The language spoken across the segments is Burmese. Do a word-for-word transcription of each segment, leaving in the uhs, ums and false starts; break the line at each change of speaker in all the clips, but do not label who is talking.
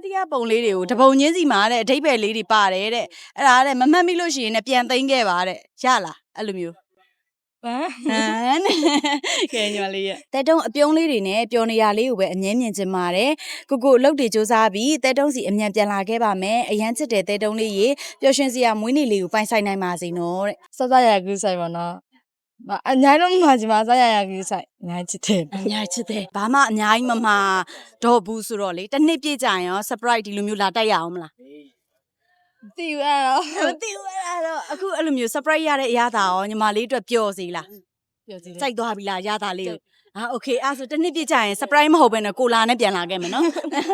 တရားပုံလေးတွေကိုတပုံချင်းစီမှာတဲ့အဓိပ္ပာယ်လေးတွေပါတယ်တဲ့အဲ့ဒါတဲ့မမှတ်မိလို့ရှိရင်လည်းပြန်သိမ်းခဲ့ပါတဲ့ရလားအဲ့လိုမျိုးဟမ်ဟမ်ကဲညီမလေးရဲ့တဲတုံးအပြုံးလေးတွေနဲ့ပျော်နေရလေးကိုပဲအငင်းမြင်ချင်ပါတယ်ကိုကိုလှုပ်တွေစူးစားပြီးတဲတုံးစီအမြန်ပြန်လာခဲ့ပါမယ်အရန်ချစ်တဲ့တဲတုံးလေးရေပျော်ရွှင်စရာမွေးနေ့လေးကိုပိုင်ဆိုင်နိုင်ပါစေနော်တဲ့
စစရကူးဆိုင်ပါနော်အများလုံးမှာဒီမှာစရရကူးဆိုင်အများချစ်တယ်
အများချစ်တယ်ဘာမှအများကြီးမမှာတော့ဘူးဆိုတော့လေတစ်နှစ်ပြည့်ကြရင်ရော surprise ဒီလိုမျိုးလာတိုက်ရအောင်မလား
မသိဘူးအဲ့တော့
မသိဘူးအဲ့တော့အခုအဲ့လိုမျိုး surprise ရတဲ့အရာသာရောညီမလေးအတွက်ပျော်စီလား
ပျော်စီ
စိုက်သွားပြီလားရတာလေးကိုဟာ okay အဲ့ဆိုတစ်နှစ်ပြည့်ကြရင် surprise မဟုတ်ဘဲနဲ့ကိုလာနဲ့ပြန်လာခဲ့မယ်နော်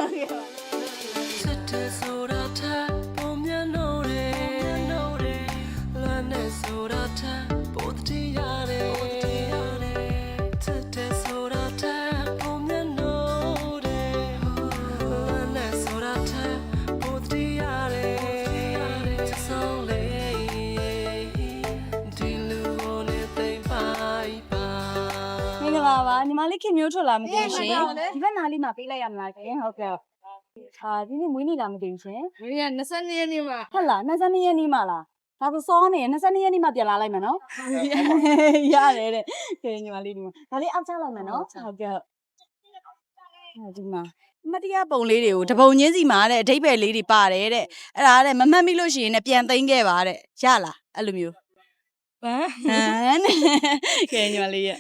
ပါညီမလေးခင်မျိုးထွက်လာမသိဘူးရှင်ဒီဘက်နားလေးမှာပေးလိုက်ရမလားခင်ဟုတ်ကဲ့အာဒီနေ့မွေးနေ့လာမသိဘူးရှင်
မွေးနေ့က၂၂ရက်နေ့မှာ
ဟုတ်လား၂၂ရက်နေ့မှာလားဒါဆိုစောနေ၂၂ရက်နေ့မှာပြန်လာလိုက်မယ်နော်ရတယ်တဲ့ခင်ညီမလေးဒီမှာဒါလေးအောက်ချလိုက်မယ်နော်ဟုတ်ကဲ့ဒီမှာမတရားပုံလေးတွေကိုတပုံချင်းစီမှာတဲ့အဓိပ္ပာယ်လေးတွေပါတယ်တဲ့အဲ့ဒါတဲ့မမှတ်မိလို့ရှိရင်လည်းပြန်သိမ်းခဲ့ပါတဲ့ရလားအဲ့လိုမျိုး
ဟမ်
ဟမ်ကဲညီမလေးရဲ့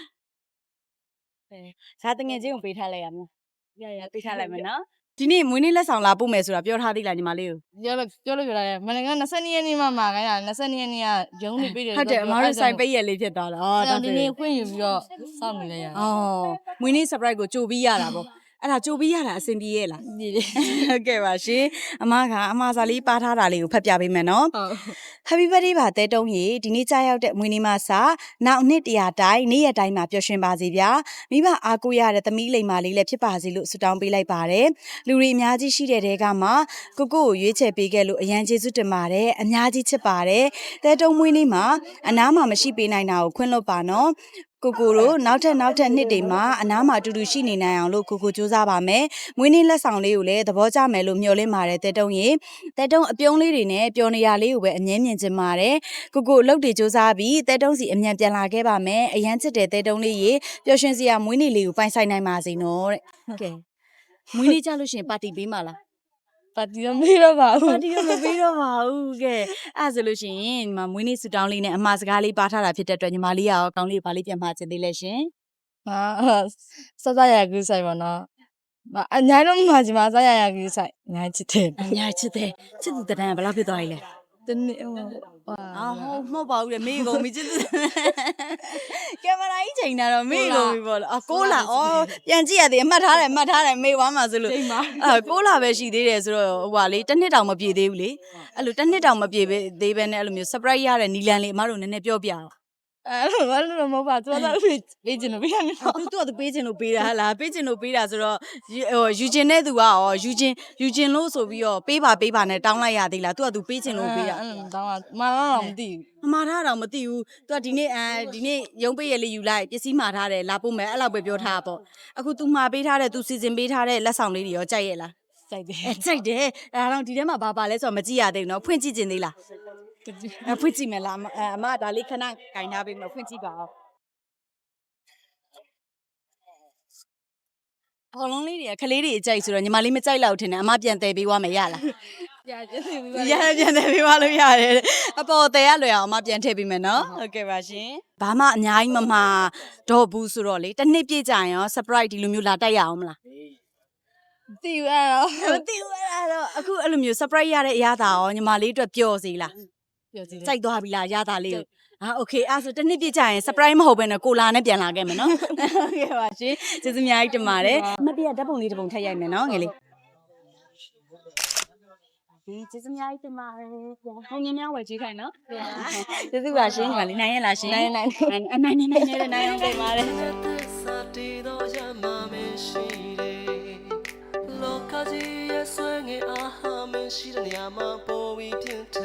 ဇာတငယ်ချင်းကိုပေးထားလိုက်ရမလားရရပေးထားလိုက်မယ်နော်ဒီနေ့မွေးနေ့လက်ဆောင်လာပို့မယ်ဆိုတာပြောထားသေးလားညီမလေးကို
ပြောလို့ပြောလို့ပြောလိုက်ရမနေ့က၂၂ရက်နေ့မှမှာခိုင်းတာ၂၂ရက်နေ့ကရုံးနေပေးတယ်
ဟုတ်တယ်အမားတို့ဆိုင်ပိတ်ရက်လေးဖြစ်သွားတာ
အော်ဒါဒီနေ့ခွင့်ယူပြီးတော့စောင့်နေလိုက်ရ
အော်မွေးနေ့ surprise ကိုကြိုပြီးရတာပေါ့အဲ့ဒါကြိုပြီးရတာအဆင်ပြေရဲ့လား
ပြေတယ်
ဟုတ်ကဲ့ပါရှင်အမကအမစာလေးပါထားတာလေးကိုဖတ်ပြပေးမယ်နော်
ဟုတ်
Happy birthday ပါတဲတုံးရေဒီနေ့ကြာရောက်တဲ့မွေးနေ့မှာစာနောက်နှစ်တရာတိုင်းနေ့ရက်တိုင်းမှာပျော်ရွှင်ပါစေဗျာမိဘအားကိုးရတဲ့သမီးလိမ္မာလေးလည်းဖြစ်ပါစေလို့ဆုတောင်းပေးလိုက်ပါတယ်လူတွေအများကြီးရှိတဲ့တဲကမှကိုကိုကိုရွေးချယ်ပေးခဲ့လို့အရန်ကျေးဇူးတင်ပါတယ်အများကြီးချစ်ပါတယ်တဲတုံးမွေးနေ့မှာအနားမှာမရှိပေးနိုင်တာကိုခွင့်လွှတ်ပါနော်ကိုကိုတို့နောက်ထပ်နောက်ထပ်နှစ်တွေမှာအနားမှာအတူတူရှိနေနိုင်အောင်လို့ကိုကိုစူးစမ်းပါမယ်။မွေးနေ့လက်ဆောင်လေးကိုလည်းသဘောကျမယ်လို့မျှော်လင့်ပါတယ်တဲတုံးရေ။တဲတုံးအပြုံးလေးတွေနဲ့ပျော်နေရလေးကိုပဲအငင်းမြင်ချင်ပါတယ်။ကိုကိုလှုပ်တွေစူးစမ်းပြီးတဲတုံးစီအမြန်ပြန်လာခဲ့ပါမယ်။အရန်ချစ်တဲ့တဲတုံးလေးရေပျော်ရွှင်စရာမွေးနေ့လေးကိုပိုင်ဆိုင်နိုင်ပါစေနော်တဲ့။ဟုတ်ကဲ့။မွေးနေ့ကြလို့ရှိရင်ပါတီပေးမှာလား
။ပါတီတော့မေးတော့ပါဘူး
ပါတီတော့မပေးတော့ပါဘူးကဲအဲ့ဆိုလို့ရှိရင်ညီမမွေးနေ့ဆူတောင်းလေးနဲ့အမှားစကားလေးပါထားတာဖြစ်တဲ့အတွက်ညီမလေးရောကောင်းလေးပါလေးပြန်မှာချင်သေးလဲရှင်
ဟာစစရကူးဆိုင်ပါနော်အများလုံးမှာဒီမှာစရရကူးဆိုင်အများချစ်တယ်
အများချစ်တယ်ချစ်သူတန်းဘယ်လောက်ဖြစ်သွားပြီလဲ
တနေ့ဟို
အာဟုတ်မဟုတ်ပါဘူးလေမေးကုန်ပြီချစ်သူကင်မရာကြီးချိန်တာတော့မေးကုန်ပြီပေါ့လေအကိုးလာဩပြန်ကြည့်ရသေးအမှတ်ထားတယ်အမှတ်ထားတယ်မေးသွားမှာဆိုလို့အဲကိုးလာပဲရှိသေးတယ်ဆိုတော့ဟိုပါလေတစ်နှစ်တောင်မပြည့်သေးဘူးလေအဲ့လိုတစ်နှစ်တောင်မပြည့်သေးပဲနဲ့အဲ့လိုမျိုး surprise ရတဲ့နီလန်လေးအမတို့နည်းနည်းပြောပြအောင်
အဲ့လိုဘာလို့မဟုတ်ပါသူကတော့ပေးချင်လို့ပေးရတယ်
သူသူကပေးချင်လို့ပေးတာဟလားပေးချင်လို့ပေးတာဆိုတော့ဟိုယူချင်တဲ့သူကရောယူချင်ယူချင်လို့ဆိုပြီးတော့ပေးပါပေးပါနဲ့တောင်းလိုက်ရသေးလားသူကသူပေးချင်လို့ပေးတာ
အဲ့လိုတောင်းတာမှာတော့မသိ
ဘူးမှာထားတော့မသိဘူးသူကဒီနေ့အဲဒီနေ့ရုံးပေးရလေးယူလိုက်ပစ္စည်းမှာထားတယ်လာပို့မယ်အဲ့လောက်ပဲပြောထားတာပေါ့အခု तू မှာပေးထားတဲ့ तू စီစဉ်ပေးထားတဲ့လက်ဆောင်လေးတွေရောကြိုက်ရဲ့လား
ကြိုက်တယ်
ကြိုက်တယ်အဲ့တော့ဒီထဲမှာဘာပါလဲဆိုတော့မကြည့်ရသေးဘူးနော်ဖွင့်ကြည့်ခြင်းသေးလားအဖွင့်ကြည့်မယ်လားအမဒါလေးခဏကင်ထားပေးမယ်ဖွင့်ကြည့်ပါဦးဘောလုံးလေးတွေကခလေးတွေအကြိုက်ဆိုတော့ညီမလေးမကြိုက်လောက်ထင်တယ်အမပြန်တယ်ပေးသွားမယ်ရလား
ရပြန်တယ်ပေးပါ
ရပြန်တယ်ပေးသွားလို့ရတယ်အပေါ်တယ်ရလွယ်အောင်အမပြန်ထည့်ပေးမယ်နော်ဟုတ်ကဲ့ပါရှင်ဘာမှအများကြီးမမှာတော့ဘူးဆိုတော့လေတစ်နှစ်ပြည့်ကြရင်ရော surprise ဒီလိုမျိုးလာတိုက်ရအောင်မလား
မသိဘူးအဲ့တော့
မသိဘူးအဲ့တော့အခုအဲ့လိုမျိုး surprise ရတဲ့အရာသာရောညီမလေးအတွက်ပျော်စီလား
ပျော်စီ
စိုက်သွားပြီလားရတာလေးကိုဟာโอเคအဲ့ဆိုတစ်နှစ်ပြည့်ကြရင် surprise မဟုတ်ဘဲနဲ့ကိုလာနဲ့ပြန်လာခဲ့မယ်နော်ဟုတ်ကဲ့ပါရှင်ကျေးဇူးအများကြီးတင်ပါတယ်မပြည့်ဓာတ်ပုံလေးတစ်ပုံထည့်ရိုက်မယ်နော်ငယ်လေးဒီကျေးဇူးအများကြီးတင်ပါတယ်ဟိုငင်းများဝယ်ကြည့်ခိုင်းနော်ကျေးဇူးပါရှင်ညီမလေးနိုင်ရလားရှင်
နိုင်နိုင်
အနိုင်နိုင်နိုင်နိုင်နိုင်အောင်တင်ပါတယ်လောကကြီးရဲ့ဆွေငယ်အားဟာမရှိတဲ့နေရာမှာပေါ်ပြီးပြင်းထ